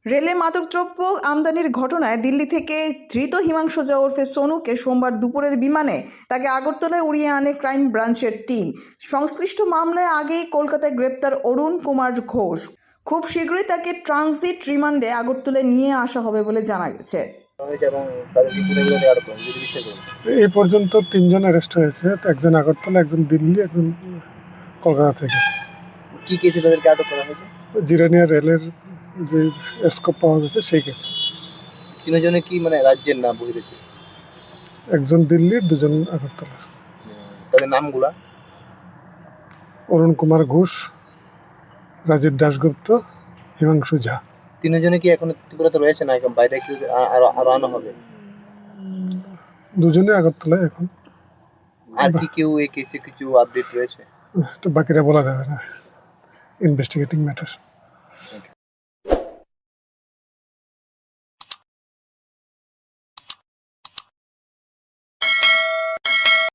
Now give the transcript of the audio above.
রেলে মাদকদ্রব্য আমদানির ঘটনায় দিল্লি থেকে ধৃত হিমাংশু ঝা ওরফে সোনুকে সোমবার দুপুরের বিমানে তাকে আগরতলায় উড়িয়ে আনে ক্রাইম ব্রাঞ্চের টিম। সংশ্লিষ্ট মামলায় আগেই কলকাতায় গ্রেপ্তার অরুণ কুমার ঘোষ। খুব শীঘ্রই তাকে ট্রানজিট রিমান্ডে আগরতলায় নিয়ে আসা হবে বলে জানা গেছে। এই পর্যন্ত 3 জন অ্যারেস্ট হয়েছে, একজন আগরতলা, একজন দিল্লি, একজন কলকাতা থেকে। কি কেসে তাদেরকে আটক করা হয়েছে? জিরানিয়া রেলের যে স্কোপ পাওয়া গেছে সেই কেসে। তিনজনে কি মানে রাজ্যের নাম বহিরেছে? একজন দিল্লির, 2 জন আগরতলা। তাদের নামগুলা? অরুণ কুমার ঘোষ, রাজীব দাশগুপ্ত, হিমাংশু ঝা। তিনজনে কি এখন ত্রিপুরাতে রয়েছে না বাইরে কি আরো আনা হবে? 2 জনই আগরতলায় এখন। আর কি কেউ এই কেসে কিছু আপডেট রয়েছে? তো বাকিরা বলা যাবে না, ইনভেস্টিগেটিং ম্যাটার।